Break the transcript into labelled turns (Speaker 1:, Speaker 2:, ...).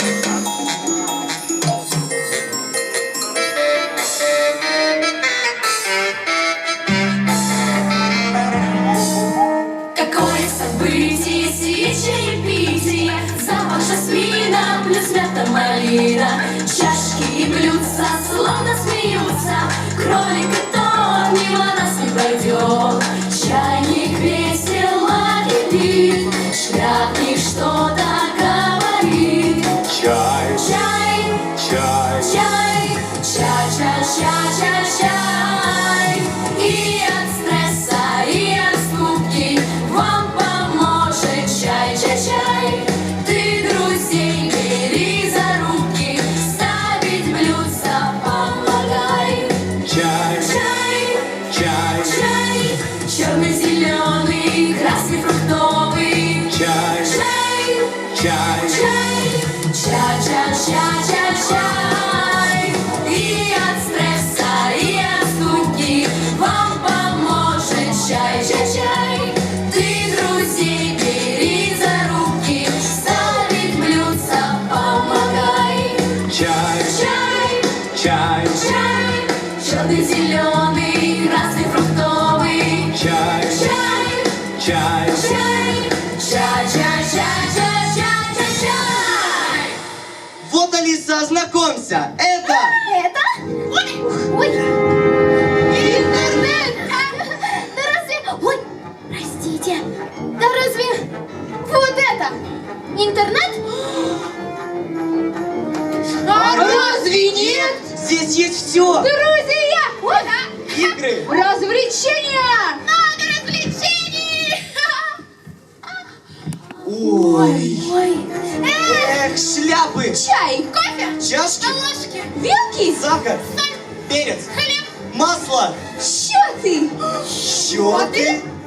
Speaker 1: Какое событие, чаепитие, запах жасмина плюс мята малина. Чашки и блюдца словно смеются, кролик и тот мимо нас не пройдет. Чайник весело кипит, шляпник что-то говорит.
Speaker 2: Чай,
Speaker 1: Чай,
Speaker 2: чай,
Speaker 1: чай, чай. И от стресса, и от скуки вам поможет чай. Ты друзей бери за руки, ставить блюдца помогай.
Speaker 2: чай,
Speaker 1: Чай,
Speaker 2: чай,
Speaker 1: черный, зеленый, красный, фруктовый.
Speaker 2: чай,
Speaker 1: Чай, чай. И от стресса, и от скуки вам поможет чай. Ты друзей бери за руки, ставить блюдца помогай.
Speaker 2: чай,
Speaker 1: Чай,
Speaker 2: чай,
Speaker 1: черный, зеленый, красный, фруктовый.
Speaker 2: чай, чай.
Speaker 1: Чай.
Speaker 3: Вот, Алиса, ознакомься. Это
Speaker 4: Это? Ой! Интернет! Да разве... Ой, простите. Да разве... Вот это? Интернет?
Speaker 3: А разве нет? Здесь есть все.
Speaker 4: Друзья! Ой, да.
Speaker 3: Игры,
Speaker 4: Развлечения! Много развлечений!
Speaker 3: ой,
Speaker 4: Ой.
Speaker 3: эх, шляпы,
Speaker 4: Чай, кофе,
Speaker 3: чашки,
Speaker 4: ложки, вилки,
Speaker 3: сахар, перец,
Speaker 4: хлеб,
Speaker 3: масло,
Speaker 4: счеты.
Speaker 3: счеты.